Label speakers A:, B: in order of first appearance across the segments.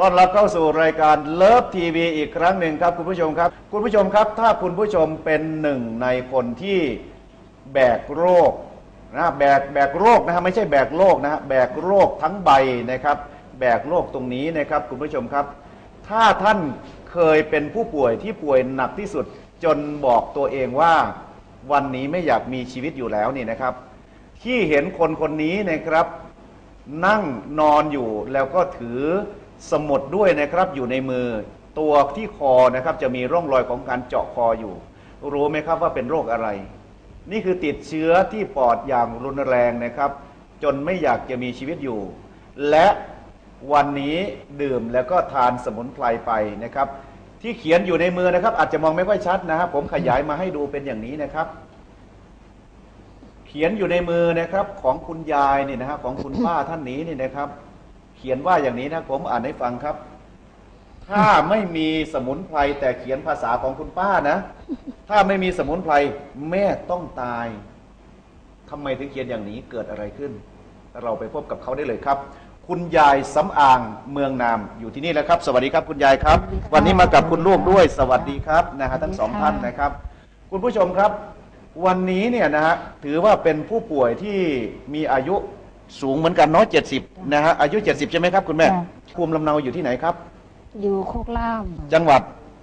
A: อนรับเข้าสู่รายการเลิฟทีวีอีกครั้งหนึ่งครับคุณผู้ชมครับคุณผู้ชมครับถ้าคุณผู้ชมเป็นหนึ่งในคนที่แบกโรคนะแบกโรคนะฮะไม่ใช่แบกโรคนะฮะแบกโรคทั้งใบนะครับแบกโรคตรงนี้นะครับคุณผู้ชมครับถ้าท่านเคยเป็นผู้ป่วยที่ป่วยหนักที่สุดจนบอกตัวเองว่าวันนี้ไม่อยากมีชีวิตอยู่แล้วนี่นะครับที่เห็นคนคนนี้นะครับนั่งนอนอยู่แล้วก็ถือสมุดด้วยนะครับอยู่ในมือตัวที่คอนะครับจะมีร่องรอยของการเจาะคออยู่รู้ไหมครับว่าเป็นโรคอะไรนี่คือติดเชื้อที่ปอดอย่างรุนแรงนะครับจนไม่อยากจะมีชีวิตอยู่และวันนี้ดื่มแล้วก็ทานสมุนไพรไปนะครับที่เขียนอยู่ในมือนะครับอาจจะมองไม่ค่อยชัดนะครับผมขยายมาให้ดูเป็นอย่างนี้นะครับเขียนอยู่ในมือนะครับของคุณยายนี่นะฮะของคุณป้าท่านนี้นี่นะครับเขียนว่าอย่างนี้นะผมอ่านให้ฟังครับถ้าไม่มีสมุนไพรแต่เขียนภาษาของคุณป้านะถ้าไม่มีสมุนไพรแม่ต้องตายทำไมถึงเขียนอย่างนี้เกิดอะไรขึ้นเราไปพบกับเขาได้เลยครับคุณยายสำอางเมืองนามอยู่ที่นี่แล้วครับสวัสดีครับคุณยายครับวันนี้มากับคุณลูกด้วยสวัสดีครับนะฮะทั้งสองท่านนะครับคุณผู้ชมครับวันนี้เนี่ยนะฮะถือว่าเป็นผู้ป่วยที่มีอายุสูงเหมือนกันเนาะ70นะฮะอายุ70ใช่ไหมครับคุณแม่ภูมิลำเนาอยู่ที่ไหนครับ
B: อยู่โคกล่าม
A: จังหวัด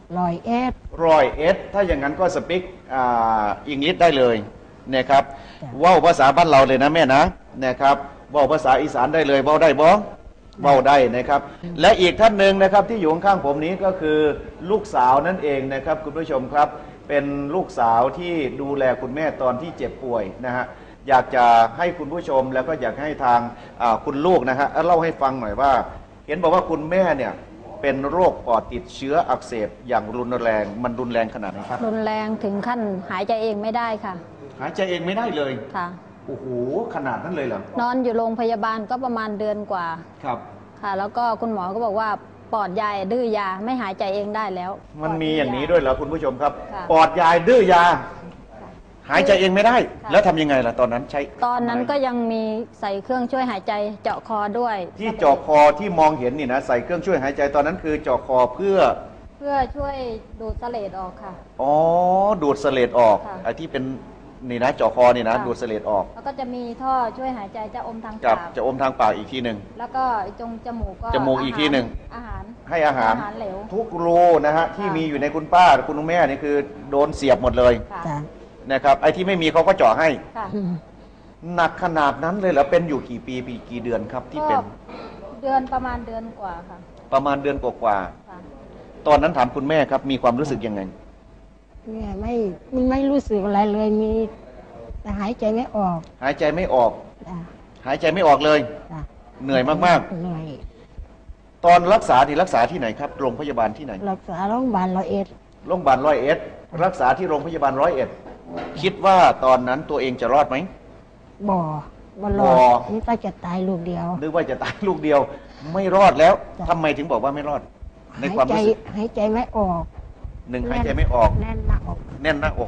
B: 101
A: ถ้าอย่างนั้นก็สปิกอังกฤษได้เลยนะครับว่าวภาษาบ้านเราเลยนะแม่นะครับว่าวภาษาอีสานได้เลยว่าวได้บ้องว่าวได้นะครับและอีกท่านหนึ่งนะครับที่อยู่ข้างๆผมนี้ก็คือลูกสาวนั่นเองนะครับคุณผู้ชมครับเป็นลูกสาวที่ดูแลคุณแม่ตอนที่เจ็บป่วยนะฮะอยากจะให้คุณผู้ชมแล้วก็อยากให้ทางคุณลูกนะฮะเล่าให้ฟังหน่อยว่าเห็นบอกว่าคุณแม่เนี่ยเป็นโรคปอดติดเชื้ออักเสบอย่างรุนแรงมันรุนแรงขนาดไหนครับ
B: รุนแรงถึงขั้นหายใจเองไม่ได้ค่ะ
A: หายใจเองไม่ได้เลย
B: ค่ะ
A: โอ้โหขนาดนั้นเลยเหรอน
B: อนอยู่โรงพยาบาลก็ประมาณเดือนกว่า
A: ครับ
B: ค่ะแล้วก็คุณหมอก็บอกว่าปอดยายดื้อยาไม่หายใจเองได้แล้ว
A: มันมีอย่างนี้ด้วยเหรอคุณผู้ชมครับปอดยายดื้อยาหายใจเองไม่ได้แล้วทำยังไงล่ะตอนนั้นใช้
B: ตอนนั้นก็ยังมีใส่เครื่องช่วยหายใจเจาะคอด้วย
A: ที่เจาะคอที่มองเห็นนี่นะใส่เครื่องช่วยหายใจตอนนั้นคือเจาะคอเพื่อ
B: ช่วยดูดเสลดออกค่ะ
A: อ๋อดูดเสลดออกไอ้ที่เป็นนี่นะเจาะคอนี่นะดูดเสลดออก
B: แล้วก็จะมีท่อช่วยหายใจจะอมทางปาก
A: จะอมทางปากอีกทีหนึ่ง
B: แล้วก็จงจมูกก็
A: จมูกอีกทีหนึ่ง
B: อาหาร
A: ให้อาหาร
B: เหลว
A: ทุกรูนะฮะที่มีอยู่ในคุณป้าคุณแม่นี่คือโดนเสียบหมดเลยนะครับไอ้ที่ไม่มีเขาก็เจาะให้หนักขนาดนั้นเลยเหรอเป็นอยู่กี่ปีกี่เดือนครับที่เป็น
B: ประมาณเดือนกว่าค่ะ
A: ประมาณเดือนกว่าตอนนั้นถามคุณแม่ครับมีความรู้สึกยังไง
B: แม่ไม่รู้สึกอะไรเลยมีแต่หายใจไม่ออก
A: หายใจไม่ออกหายใจไม่ออกเลยเหนื่อยมาก
B: ๆเหนื่อย
A: ตอนรักษาที่ไหนครับโรงพยาบาลที่ไหน
B: รักษาโรงพยาบาล
A: 101โรงพยาบาล101รักษาที่โรงพยาบาล101คิดว่าตอนนั้นตัวเองจะรอดไหม
B: บ่รอดนี่ก็จะตายลูกเดียว
A: นึกว่าจะตายลูกเดียวไม่รอดแล้วทำไมถึงบอกว่าไม่รอดในความรู้สึก
B: หายใจไม่ออก
A: หายใจไม่ออก
B: แน่นหน้าอก
A: แน่นหน้าอก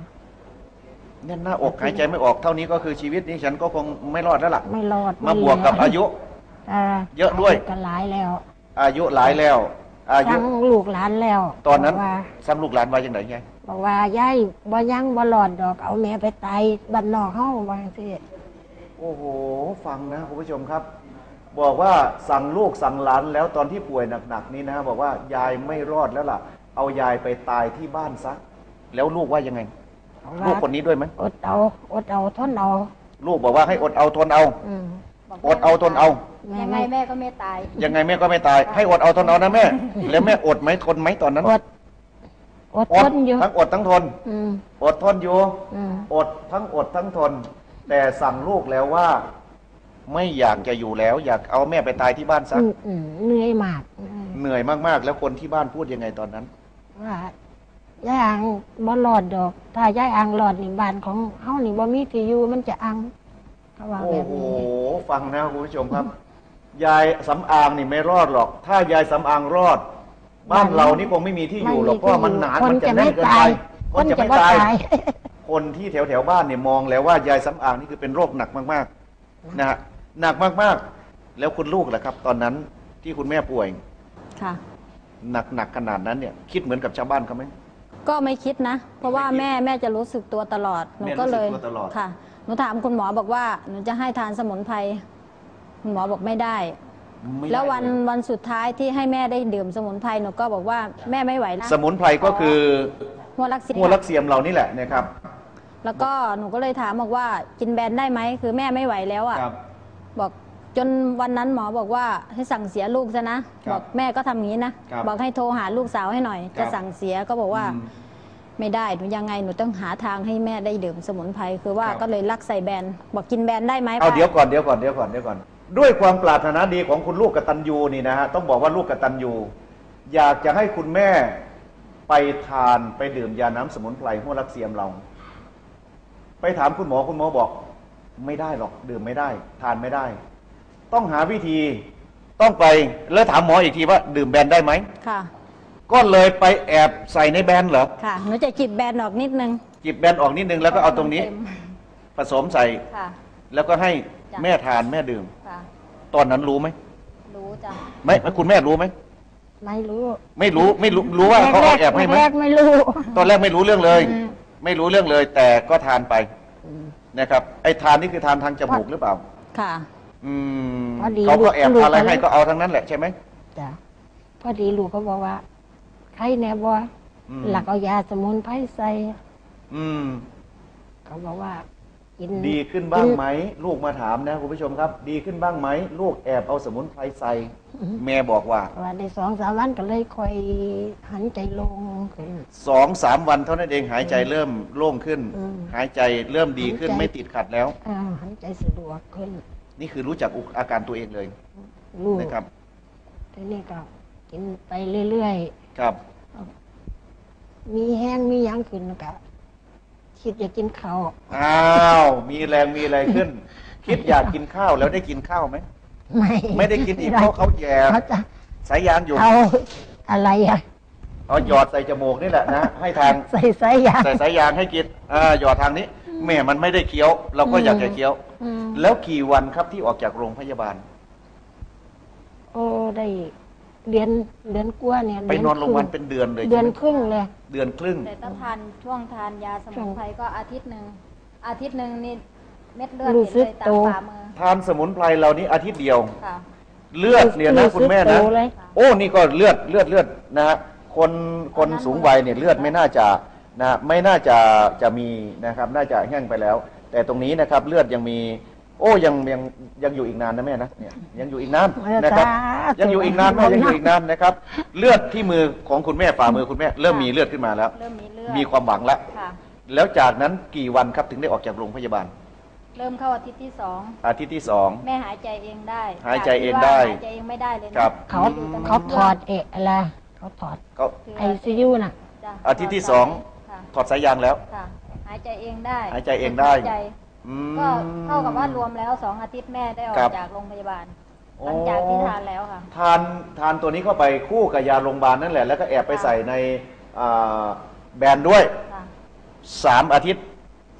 A: หายใจไม่ออกเท่านี้ก็คือชีวิตนี้ฉันก็คงไม่รอดแล้วล่ะ
B: ไม่รอด
A: มาบวกกับอายุเยอะด้วย
B: ก็หลายแล้ว
A: อายุหลายแล้วอายุ
B: ซ้ำลูกหลานแล้ว
A: ตอนนั้นซ้ำลูกหลานว่าอย่างไรไง
B: บอกว่ายายบ่ยังบ่หลอดดอกเอาแม่ไปตายบ้านนอกเฮาว่าจังซี่
A: โอ้โหฟังนะคุณผู้ชมครับบอกว่าสั่งลูกสั่งหลานแล้วตอนที่ป่วยหนักๆนี้นะบอกว่ายายไม่รอดแล้วล่ะเอายายไปตายที่บ้านซะแล้วลูกว่ายังไงลูกคนนี้ด้วยไหม
B: อดเอาทนเอา
A: ลูกบอกว่าให้อดเอาทนเอาอดเอาทนเอา
B: ยังไงแม่ก็ไม่ตาย
A: ยังไงแม่ก็ไม่ตายให้อดเอาทนเอานะแม่แล้วแม่อดไหมทนไหมตอนนั้น
B: อดทนอยู่
A: ทั้งอดทั้งทนอดทนอยู่อดทั้งทนแต่สั่งลูกแล้วว่าไม่อยากจะอยู่แล้วอยากเอาแม่ไปตายที่บ้านซะ
B: เหนื่อยมาก
A: เหนื่อยมากๆแล้วคนที่บ้านพูดยังไงตอนนั้น
B: ว่ายายอังบ่หลอดดอกถ้ายายอังหลอดนี่บ้านของเฮานี่บ่มีที่อยู่มันจะอังเขาว่าแบบนี้
A: โอ้โหฟังนะคุณผู้ชมครับยายสำอางนี่ไม่รอดหรอกถ้ายายสำอางรอดบ้านเรานี่คงไม่มีที่อยู่หรอกเพราะมันหนามันจะแน่นเกินไปคนจะไม่ตายคนที่แถวบ้านเนี่ยมองแล้วว่ายายสำอางนี่คือเป็นโรคหนักมากๆนะฮะหนักมากๆแล้วคุณลูกล่ะครับตอนนั้นที่คุณแม่ป่วย
C: ค่ะ
A: หนักขนาดนั้นเนี่ยคิดเหมือนกับชาวบ้านเขาไหม
C: ก็ไม่คิดนะ เพราะว่า
A: ไม่คิด
C: แม่จะรู้สึกตัวตลอดหนู
A: แม่
C: ก็เลย
A: รู้สึกตัวตลอด
C: ค่ะหนูถามคุณหมอบอกว่าหนูจะให้ทานสมุนไพรคุณหมอบอกไม่ได้
A: ไม่ได้
C: แล้ววัน
A: เลย
C: วันสุดท้ายที่ให้แม่ได้ดื่มสมุนไพรหนูก็บอกว่าแม่ไม่ไหวแล้ว
A: สมุนไพรก็คือ
C: หัวลักษิณ
A: หัวลักเสียมเรานี่แหละนะครับ
C: แล้วก็หนูก็เลยถามบอกว่ากินแบนได้ไหมคือแม่ไม่ไหวแล้วอ่ะ
A: ครับ
C: บอกจนวันนั้นหมอบอกว่าให้สั่งเสียลูกซะนะ
A: ครับ
C: บอกแม่ก็ทำอย่างนี้นะครับ บอกให้โทรหาลูกสาวให้หน่อย
A: ครับ
C: จะสั่งเสียก็บอกว่า
A: อืม
C: ไม่ได้หนูยังไงหนูต้องหาทางให้แม่ได้ดื่มสมุนไพรคือว่า
A: ครับ
C: ก็เลยลักใส่แบนบอกกินแบนได้ไหม
A: เอา
C: ป้า
A: เดี๋ยวก่อนด้วยความปรารถนาดีของคุณลูกกตัญญูนี่นะฮะต้องบอกว่าลูกกตัญญูอยากจะให้คุณแม่ไปทานไปดื่มยาน้ำสมุนไพรหัวลักเสียมเรา ไปถามคุณหมอบอกไม่ได้หรอกดื่มไม่ได้ ทานไม่ได้ ต้องหาวิธีต้องไปแล้วถามหมออีกทีว่าดื่มแบนได้ไหม
C: ค่ะ
A: ก็เลยไปแอบใส่ในแบนเหรอ
C: ค่ะหนูจะจิบแบนออกนิดนึง
A: จิบแบนออกนิดนึงแล้วก็เอาตรงนี้
C: เต็ม
A: ผสมใส่
C: ค่ะ
A: แล้วก็ให้
C: จ้ะ
A: แม่ทานแม่ดื่ม
C: ค่ะ
A: ตอนนั้นรู้ไหม
C: รู้จ้ะ
A: ไม่คุณแม่รู้ไหม
B: ไม่รู้
A: ไม่รู้ว่าเขาเอาแอบให้ไหม
B: แรกๆไม่รู้
A: ตอนแรกไม่รู้เรื่องเลย
B: อืม
A: ไม่รู้เรื่องเลย แต่ก็ทานไปนะครับไอ้ทานนี่คือทานทางจมูกหรือเปล่า
C: ค่ะ
A: อืม
B: พอดี
A: เขาก็แอบ
B: ลูก
A: ทานอะไร
B: ก็เลย
A: ให้ก็เอาทั้งนั้นแหละใช่ไหม
B: จ้ะพอดีลูกก็บอกว่าใครแน่บ่
A: อืม
B: หลักเอายาสมุนไพรใส่
A: อืม
B: เขาบอกว่ากิน
A: ดีขึ้นบ้างไหมลูกมาถามนะคุณผู้ชมครับ ดีขึ้นบ้างไหมลูกแอบเอาสมุนไพรใส่แม่บอกว่า
B: ว่าได้2-3 วันก็เลยค่อยหันใจลงขึ้น
A: 2-3 วันเท่านั้นเองหายใจเริ่มโล่งขึ้น
B: อืม
A: หายใจเริ่มดีขึ้น
B: หายใจ
A: ไม่ติดขัดแล้ว
B: หันใจสะดวกขึ้น
A: นี่คือรู้จักอาการตัวเองเลย
B: ลูก
A: นะครับ
B: ทีนี้ก็กินไปเรื่อย
A: ครับ
B: ๆมีแห้งมีหยังขึ้นก็คิดอยากกินข้าว
A: อ้าว มีแรงมีอะไรขึ้น คิดอยากกินข้าวแล้วได้กินข้าวไหม ไม่ได้กินอีกเพราะเขาแย่
B: เขาจะ
A: สายยางอยู่
B: เอาอะไรอ่ะ
A: เอาหยอดใส่จมูกนี่แหละนะ ให้ทาง
B: ใส่สายยาง
A: ใส่สายยางให้กินหยอดทางนี้ แม่มันไม่ได้เคี้ยว เราก็อยากจะเคี้ยว
B: อืม
A: แล้วกี่วันครับที่ออกจากโรงพยาบาล
B: โอ้ได้เดือนกว่าเนี่ย
A: ไปนอนโรงพยาบาลเป็นเดือนเลย
B: เดือน
A: ใช่ไหม
B: ครึ่งเลย
A: เดือนครึ่ง
C: แต่ถ้าทานช่วงทานยาสมุนไพรก็อาทิตย์หนึ่งนี่เม็ดเลือด
B: รู้
C: เห็น
B: สึ
C: เล
B: ก
C: ยตา
B: โต
C: มฝ่ามือ
A: ทานสมุนไพรเรานี้อาทิตย์เดียว
C: ค่ะ
A: เลือดเนี่ยนะคุณแม่นะ
B: รู้สึกโตเลย
A: โอ้นี่ก็เลือดนะฮะคนสูงวัยเนี่ยเลือดไม่น่าจะนะไม่น่าจะมีนะครับ น่าจะแห้งไปแล้ว แต่ตรงนี้นะครับเลือดยังมี โอ้ยังอยู่อีกนานนะแม่นะเนี่ยยังอยู่อีกนานนะครับ ยังอยู่อีกนานแม่ยังอยู่อีกนานนะครับ เลือดที่มือของคุณแม่ฝ่ามือคุณแม่เริ่มมีเลือดขึ้นมาแล้ว
C: เริ่มมีเลือด
A: มีความหวังแล้ว
C: ค่ะ
A: แล้วจากนั้นกี่วันครับถึงได้ออกจากโรงพยาบาล
C: เริ่มเข้าอาทิตย์ที่สอง
A: อาทิตย์ที่สอง
C: แม่หายใจเองได้
A: หายใจเองได้
C: หายใจเองไม่ได้เลยนะครับ
B: เขาถอดอะไรเขาถอด
A: ก็
B: ไอซียูน่ะ
C: จ้ะ
A: อาทิตย์ที่สอง
C: ค่ะ
A: ถอดสายยางแล้ว
C: ค่ะ หายใจเองได้
A: หายใจเองได้
C: หายใจ
A: อืม
C: ก็เท่ากับว่ารวมแล้ว2 อาทิตย์แม่ได้ออ
A: ครั
C: ก
A: บ
C: จากโรงพยาบาล
A: โอ้
C: หลังจากที่ทานแล้วค่ะ
A: ทานตัวนี้เข้าไปคู่กับยาโรงพยาบาลนั่นแหละ แล้วก็แอบไปใส่ในอ่าแบรนด์ด้วย
C: ค่ะ
A: 3 อาทิตย์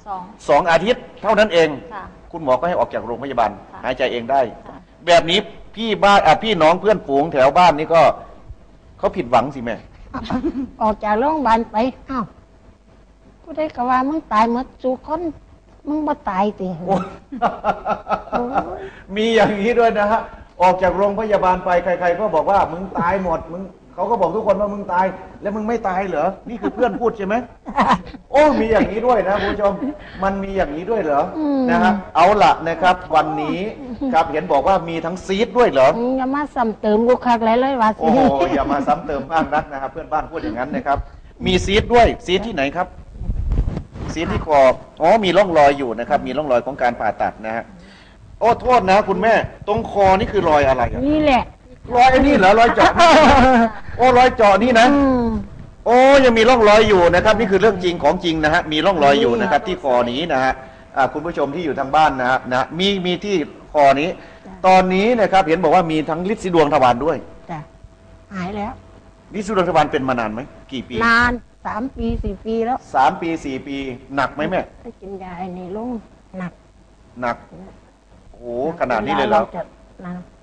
C: 2
A: 2 อาทิตย์เท่านั้นเอง
C: ค่ะ
A: คุณหมอก็ให้ออกจากโรงพยาบาล
C: ค่ะ
A: หายใจเองได้
C: ค่ะ
A: แบบนี้พี่น้องเพื่อนฝูงแถวบ้านนี่ก็เขาผิดหวังสิแม่
B: ออกจากโรงพยาบาลไปอ้าวผู้ใดก็ว่ามึงตายหมดสู่คนมึงบ่ตายติ
A: โอ้
B: โอ้ย
A: มีอย่างนี้ด้วยนะฮะ ออกจากโรงพยาบาลไปใครๆก็บอกว่ามึงตายหมดเขาก็บอกทุกคนว่ามึงตาย แล้วมึงไม่ตายเหรอ นี่คือเพื่อนพูดใช่ไหม โอ้มีอย่างนี้ด้วยนะคุณผู้ชม มันมีอย่างนี้ด้วยเหรอ นะฮะ เอาละนะครับ วันนี้ครับเห็นบอกว่ามีทั้งซีดด้วยเหรอ
B: มึงอย่ามาซ้ำเติมกูคักเลยว่าสิ
A: โอ้โหอย่ามาซ้ำเติมบ้างนักนะครับ เพื่อนบ้านพูดอย่างนั้นนะครับ มีซีดด้วย ซีดที่ไหนครับ ซีดที่คอ อ๋อ มีร่องรอยอยู่นะครับ มีร่องรอยของการผ่าตัดนะฮะ โอ้ โทษนะ คุณแม่ ตรงคอนี่คือรอยอะไรอะ
B: นี่แหละ
A: รอยไอ้นี่เหรอ รอยเจาะ โอ้ รอยเจาะนี่นะ
B: อืม
A: โอ้ ยังมีร่องรอยอยู่นะครับ นี่คือเรื่องจริงของจริงนะฮะ มีร่องรอยอยู่นะครับ ที่คอนี้นะฮะคุณผู้ชมที่อยู่ทางบ้านนะฮะมีที่คอนี้ ตอนนี้นะครับ เห็นบอกว่ามีทั้งฤทธิ์สีดวงทวารด้วย
B: จ้ะหายแล้ว
A: ฤทธิ์สีดวงทวารเป็นมานานไหมกี่ปี
B: นาน3 ปี 4 ปีแล้ว
A: 3 ปี 4 ปีหนักไหมแม่
B: ถ้ากินยาไอ้นี่ลงหนัก
A: หนักโอ้โหขนาดนี้เลยเหรอ
B: จะหนัก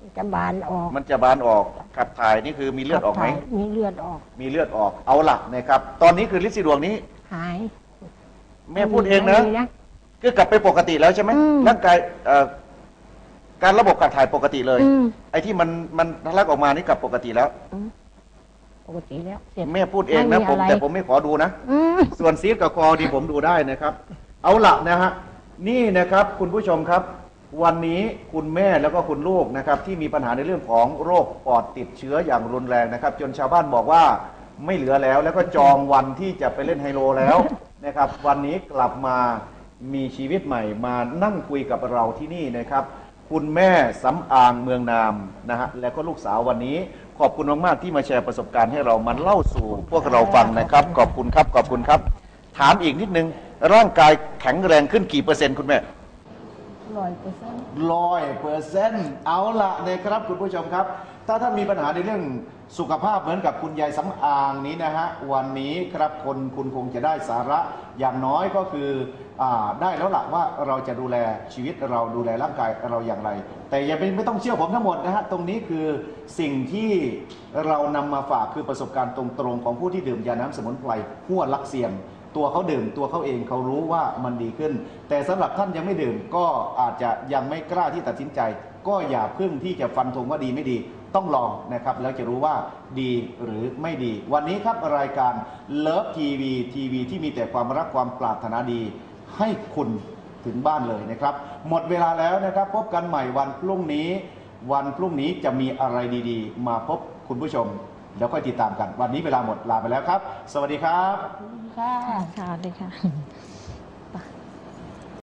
B: จะบานออก
A: มันจะบานออกขับถ่ายนี่คือมีเลือดออกไหม
B: มีเลือดออก
A: มีเลือดออกเอาหลักนะครับ ตอนนี้คือฤทธิ์สีดวงนี้
B: หาย
A: แม่พูดเองนะ
B: ไม่มี
A: คือกลับไปปกติแล้วใช่ไหม
B: อืม
A: ร่างกายการระบบการถ่ายปกติเลย
B: อืม
A: ไอ้ที่มันทะลักออกมานี่กลับปกติแล้ว
B: ปกติแล้วเสร็จ
A: แม่พูดเองนะ
B: ไม่มี
A: ผม
B: อะไร
A: แต่ผมไม่ขอดูนะ
B: อืม
A: ส่วนซีดกับคอดีผมดูได้นะครับ เอาละนะฮะนี่นะครับคุณผู้ชมครับ วันนี้คุณแม่แล้วก็คุณลูกนะครับ ที่มีปัญหาในเรื่องของโรคปอดติดเชื้ออย่างรุนแรงนะครับ จนชาวบ้านบอกว่าไม่เหลือแล้ว แล้วก็จองวันที่จะไปเล่นไฮโลแล้วนะครับ วันนี้กลับมามีชีวิตใหม่มานั่งคุยกับเราที่นี่นะครับ คุณแม่สำอางเมืองนามนะฮะและก็ลูกสาววันนี้ ขอบคุณมากๆที่มาแชร์ประสบการณ์ให้เรามันเล่าสู่พวกเราฟังนะครับ ขอบคุณครับขอบคุณครับ ถามอีกนิดนึงร่างกายแข็งแรงขึ้นกี่เปอร์เซ็นต์คุณแม่ 100%เอาละนะครับคุณผู้ชมครับ ถ้าท่านมีปัญหาในเรื่องสุขภาพเหมือนกับคุณยายสำอางนี้นะฮะวันนี้ครับคุณคงจะได้สาระอย่างน้อยก็คือได้แล้วล่ะว่าเราจะดูแลชีวิตเราดูแลร่างกายเราอย่างไร แต่อย่าไม่ต้องเชื่อผมทั้งหมดนะฮะตรงนี้คือสิ่งที่เรานำมาฝากคือประสบการณ์ตรงๆของผู้ที่ดื่มยาน้ำสมุนไพรหัวลักเซียม ตัวเขาดื่มตัวเขาเองเขารู้ว่ามันดีขึ้น แต่สำหรับท่านยังไม่ดื่มก็อาจจะยังไม่กล้าที่ตัดสินใจ ก็อย่าเพิ่งที่จะฟันธงว่าดีไม่ดีต้องลองนะครับแล้วจะรู้ว่าดีหรือไม่ดี วันนี้ครับรายการเลิฟทีวีที่มีแต่ความรักความปรารถนาดีให้คุณถึงบ้านเลยนะครับหมดเวลาแล้วนะครับพบกันใหม่วันพรุ่งนี้จะมีอะไรดีๆ มาพบคุณผู้ชมแล้วค่อยติดตามกันวันนี้เวลาหมดลาไปแล้วครับ สวัสดีครับ
B: ค่ะ
D: ค่ะสวัสดีค่ะ